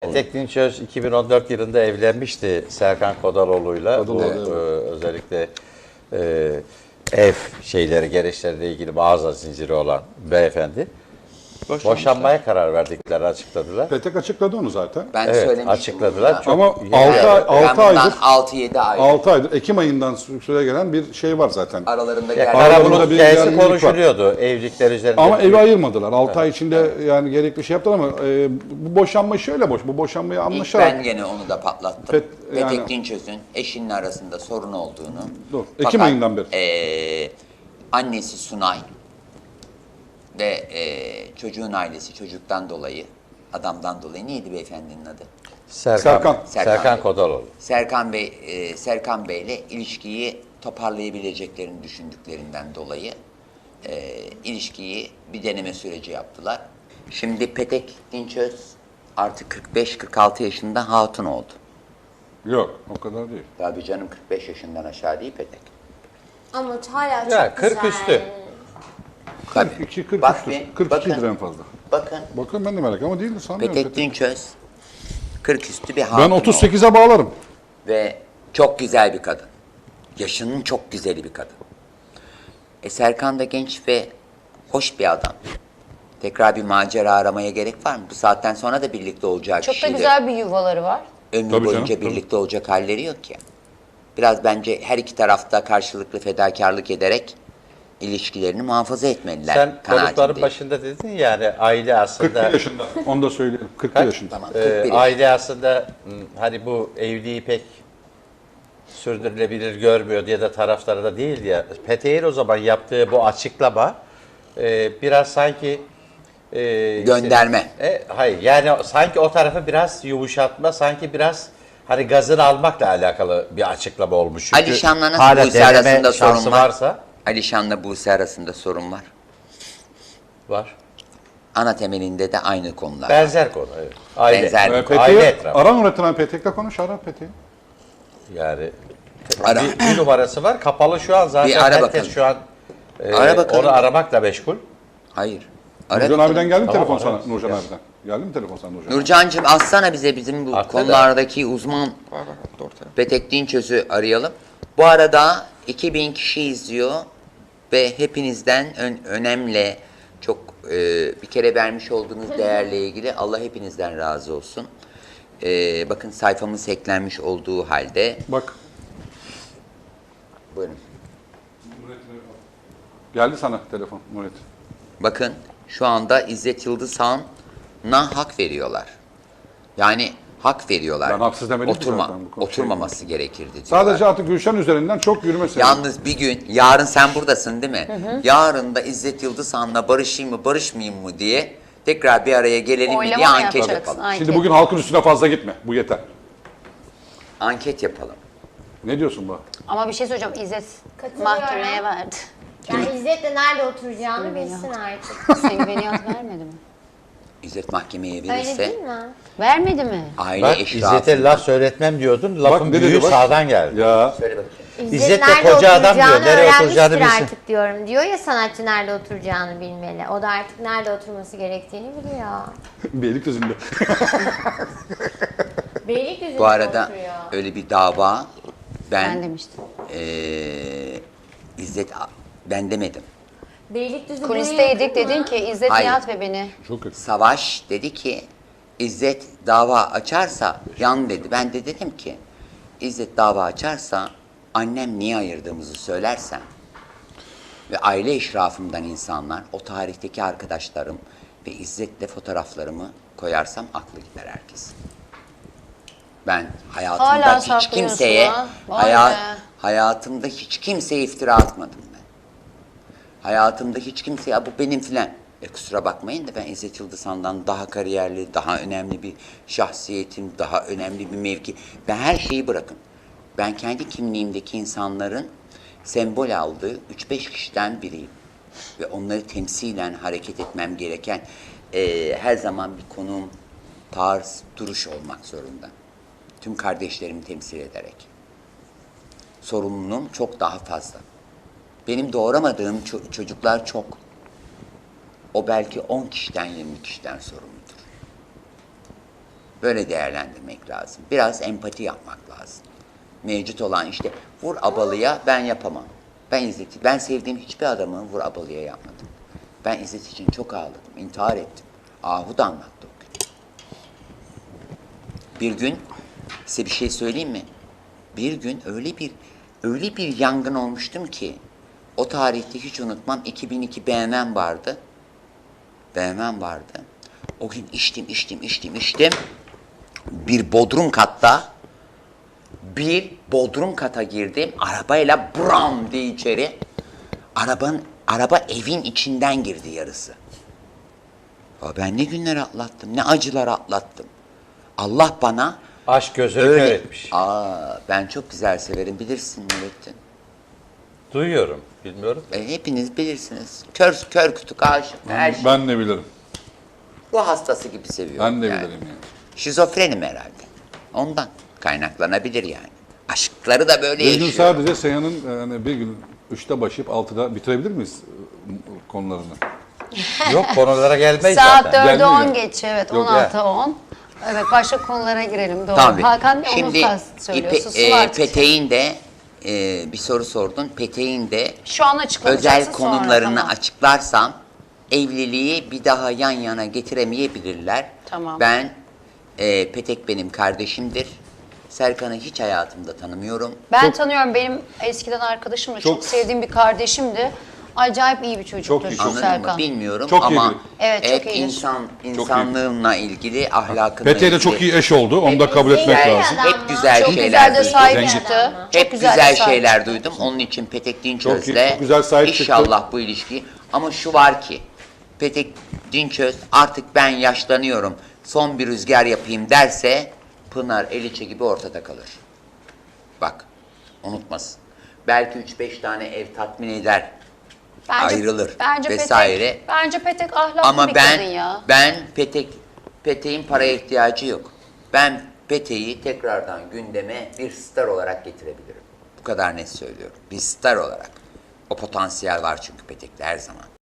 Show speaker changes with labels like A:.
A: Petek Dinçöz 2014 yılında evlenmişti Serkan Kodaloğlu'yla. Özellikle ev şeyleri, gereçleriyle ilgili mağaza zinciri olan beyefendi. Boşanmaya karar verdiklerini açıkladılar.
B: Petek açıkladı onu zaten.
C: Ben
A: Evet,
C: söylemiştim.
A: açıkladılar.
C: bunu da.
A: Çok
B: Ama
A: yeni-
B: 6 aydır
C: 6-7 ay
B: 6 aydır Ekim ayından süre gelen bir şey var zaten.
C: aralarında
A: Ya,
C: geldi.
B: Aralarında
A: Karabulut
B: bir
A: hikayesi
B: gerginlik var.
A: konuşuluyordu evlilikler üzerinde.
B: Ama evi ayırmadılar. 6 ay içinde yani gerekli şey yaptılar ama bu boşanma şöyle boş. Bu boşanmayı
C: İlk
B: anlaşarak.
C: ben gene onu da patlattım.
B: yani-
C: Petek Dinçöz'ün eşinin arasında sorun olduğunu.
B: Dur, Ekim ayından beri.
C: Annesi Sunay ve çocuğun ailesi çocuktan dolayı, adamdan dolayı neydi beyefendinin adı?
B: Serkan.
A: Serkan Kodaloğlu.
C: Serkan Bey'le ilişkiyi toparlayabileceklerini düşündüklerinden dolayı ilişkiyi bir deneme süreci yaptılar. Şimdi Petek Dinçöz artık 45-46 yaşında hatun oldu.
B: Yok, o kadar değil.
C: Tabii canım 45 yaşından aşağı değil Petek.
D: Ama hala çok
A: Ya, 40
D: güzel.
A: üstü.
C: Tabii.
B: 42, 43'tür.
C: Bak bir,
B: 42'dir
C: bakın.
B: en fazla.
C: Bakın
B: Bakın ben de merak ama değildir sanmıyorum.
C: Petek Dinçöz 40 üstü bir hatun
B: Ben
C: oldu.
B: 38'e bağlarım.
C: Ve çok güzel bir kadın. Yaşının çok güzeli bir kadın. Serkan da genç ve hoş bir adam. Tekrar bir macera aramaya gerek var mı? Bu saatten sonra da birlikte olacağı
E: Çok da
C: kişiyle
E: güzel bir yuvaları var.
C: ömrü
B: Tabii
C: boyunca
B: canım,
C: birlikte olacak halleri yok ya. Biraz bence her iki tarafta karşılıklı fedakarlık ederek ilişkilerini muhafaza etmeliler.
A: Sen konukların
C: kanaatindeyim.
A: başında dedin yani aile
B: 41
A: aslında
B: yaşında. Onu da söyleyelim. 41 yaşında.
C: Tamam, 41
A: aile aslında hani bu evliliği pek sürdürülebilir görmüyor diye de tarafları da değil ya. Petek'in o zaman yaptığı bu açıklama biraz sanki
C: Gönderme.
A: hayır yani sanki o tarafı biraz yumuşatma, sanki biraz hani gazını almakla alakalı bir açıklama olmuş. Çünkü
C: Alişan'la nasıl
A: hala
C: Buse
A: deneme
C: arasında
A: şansı
C: sorun var?
A: varsa
C: Alişan'la Buse arasında sorun var.
A: var.
C: Ana temelinde de aynı konular.
A: Benzer konu. Evet. Aile.
C: Benzer.
A: Aile
B: Petek'e
A: etrafı.
B: aran üretilen Petek'le konuş. Ara Petek'i.
A: Yani
C: Ara.
A: bir numarası var. Kapalı şu an zaten.
C: Bir ara
A: Herkes
C: bakalım.
A: şu an
C: Ara bakalım.
A: onu aramakla meşgul.
C: Hayır.
B: Nurcan
C: bakalım.
B: abiden geldi mi
A: Tamam,
B: telefon sana?
A: ararız.
B: Nurcan
A: Gel.
B: abiden. Geldi mi telefon sana Nurcan?
C: Nurcan'cığım atsana bize bizim bu
A: Attı da.
C: konulardaki uzman Petek Dinçöz'ü arayalım. Bu arada 2000 kişi izliyor ve hepinizden önemli çok bir kere vermiş olduğunuz değerle ilgili Allah hepinizden razı olsun. Bakın sayfamız hacklenmiş olduğu halde.
B: Bak.
C: Buyurun.
B: Geldi sana telefon Murat.
C: Bakın şu anda İzzet Yıldızhan'a hak veriyorlar. Yani hak veriyorlar.
B: Ben haksız demedim ki zaten bu konu.
C: Oturmaması gerekirdi diyorlar.
B: Sadece artık Gülşen üzerinden çok yürümesin.
C: Yalnız bir gün, yarın sen buradasın değil mi? Yarın da İzzet Yıldızhan'la barışayım mı, barışmayayım mı diye tekrar bir araya gelelim mi
E: Oylama
C: diye
E: mı
C: anket
E: yapacaksın?
C: yapalım.
E: Anket.
B: Şimdi bugün halkın üstüne fazla gitme. Bu yeter.
C: Anket yapalım.
B: Ne diyorsun bu?
E: Ama bir şey söyleyeceğim. İzzet
D: Katılıyorum.
E: mahkemeye verdi.
D: Yani İzzet'le nerede oturacağını bilsin artık.
E: Sen güveniyat vermedi mi?
C: İzzet mahkemeye
D: Öyle
C: verirse
D: değil mi?
E: Vermedi mi?
C: aile
A: Bak
C: eşrafı.
A: İzzet'e laf söyletmem diyordun. Lafın
B: ne dedi
A: büyüğü
B: bak?
A: sağdan geldi.
B: Ya.
C: Söyle bakayım.
A: İzzet de
D: nerede
A: koca adam diyor,
D: oturacağını
A: nereye oturacağını
D: öğrenmiştir
A: bilsin.
D: artık diyorum. Diyor ya sanatçı nerede oturacağını bilmeli. O da artık nerede oturması gerektiğini biliyor.
B: Beylikdüzü'nde.
D: Beylikdüzü'nde
C: Bu arada
D: oturuyor.
C: öyle bir dava
E: Ben
C: ben
E: demiştim.
C: İzzet ben demedim.
D: Beylikdüzü buraya
E: Kulisteydik
D: yakın mı?
E: dedin ki İzzet
C: Hayır.
E: Nihat ve beni.
B: Çok kötü.
C: Savaş dedi ki İzzet dava açarsa yan dedi. Ben de dedim ki İzzet dava açarsa annem niye ayırdığımızı söylersem ve aile eşrafımdan insanlar, o tarihteki arkadaşlarım ve İzzet'le fotoğraflarımı koyarsam aklı gider herkes. Ben hayatımda
E: Hala
C: hiç
E: saklıyorsun
C: kimseye
E: ha. Vay be.
C: hayatımda hiç kimseye iftira atmadım ben. Hayatımda hiç kimseye "Ya bu benim filan. Kusura bakmayın da ben İzzet Yıldızhan'dan daha kariyerli, daha önemli bir şahsiyetim, daha önemli bir mevki. Ben her şeyi bırakın. Ben kendi kimliğimdeki insanların sembol aldığı 3-5 kişiden biriyim. Ve onları temsilen hareket etmem gereken her zaman bir konum, tarz, duruş olmak zorunda. Tüm kardeşlerimi temsil ederek. Sorumluluğum çok daha fazla. Benim doğuramadığım çocuklar çok. O belki 10 kişiden 20 kişiden sorumludur. Böyle değerlendirmek lazım. Biraz empati yapmak lazım. Mevcut olan işte vur abalıya ben yapamam. Ben sevdiğim hiçbir adamı vur abalıya yapmadım. Ben İzzet için çok ağladım, intihar ettim. Ahu da anlattı o gün. Bir gün size bir şey söyleyeyim mi? Bir gün öyle bir yangın olmuştum ki o tarihte hiç unutmam. 2002 BMW'm vardı. BMW'm vardı. O gün içtim. Bir bodrum kata girdim. Arabayla bram diye içeri. Araba evin içinden girdi yarısı. Ya ben ne günler atlattım, ne acılar atlattım. Allah bana
A: Aşk gözünü kör etmiş.
C: ben çok güzel severim, bilirsin Nurettin.
A: Duyuyorum. Bilmiyorum.
C: Hepiniz bilirsiniz. Kör kütük aşık. Her şey.
B: Ben de bilirim.
C: Bu hastası gibi seviyorum.
B: Ben de
C: yani.
B: bilirim yani.
C: Şizofrenim herhalde. Ondan kaynaklanabilir yani. Aşkları da böyle
B: Bir gün
C: yaşıyor.
B: sadece Seyhan'ın yani bir gün 3'te başlayıp 6'da bitirebilir miyiz konularını?
A: Yok konulara gelmeyiz
E: Saat
A: zaten.
E: 4'e
B: Gelmiyor.
E: 10 geçiyor. Evet,
A: Yok,
E: 16'a 10. Evet, başka konulara girelim. Doğru.
C: Tabii.
E: Hakan Bey,
C: Şimdi
E: onu söylüyorsun. Su artık.
C: Petek'in de bir soru sordun. Petek'in de
E: Şu an açıklanacaksın,
C: özel konumlarını
E: sonra, tamam.
C: açıklarsam evliliği bir daha yan yana getiremeyebilirler.
E: Tamam.
C: Ben Petek benim kardeşimdir. Serkan'ı hiç hayatımda tanımıyorum.
E: Ben tanıyorum. Benim eskiden arkadaşımdı. Çok,
B: Çok-
E: sevdiğim bir kardeşimdi. Acayip iyi bir çocuktur
B: iyi,
C: Anladın
E: Serkan.
C: mı? Bilmiyorum
B: Çok
C: ama
B: iyidir.
E: Evet, çok
C: hep
E: iyidir.
C: insanlığımla ilgili, ahlakımla
B: Pete'ye de çok iyi eş oldu. Onu da kabul etmek
D: Zengin
B: lazım.
D: adam
C: Hep
D: mı?
C: güzel
E: Çok
C: şeyler
E: güzel de
C: duydum.
E: sahip
B: Zengin.
E: çıktı.
C: Hep
E: Çok
C: güzel,
E: de sahip
C: şeyler
E: çıktı.
C: duydum. Onun için Petek
B: Çok
C: Dinçöz'le
B: iyi, çok güzel sahip çıktı.
C: inşallah bu ilişki. Ama şu var ki Petek Dinçöz artık ben yaşlanıyorum, son bir rüzgar yapayım derse Pınar Eliçe gibi ortada kalır. Bak unutmasın. Belki 3-5 tane ev tatmin eder. Ayrılır vesaire.
E: Bence Petek ahlaklı
C: Ama
E: bir kadın ya.
C: ben Petek'in paraya ihtiyacı yok. Ben Petek'i tekrardan gündeme bir star olarak getirebilirim. Bu kadar net söylüyorum. Bir star olarak. O potansiyel var çünkü Petek'te her zaman.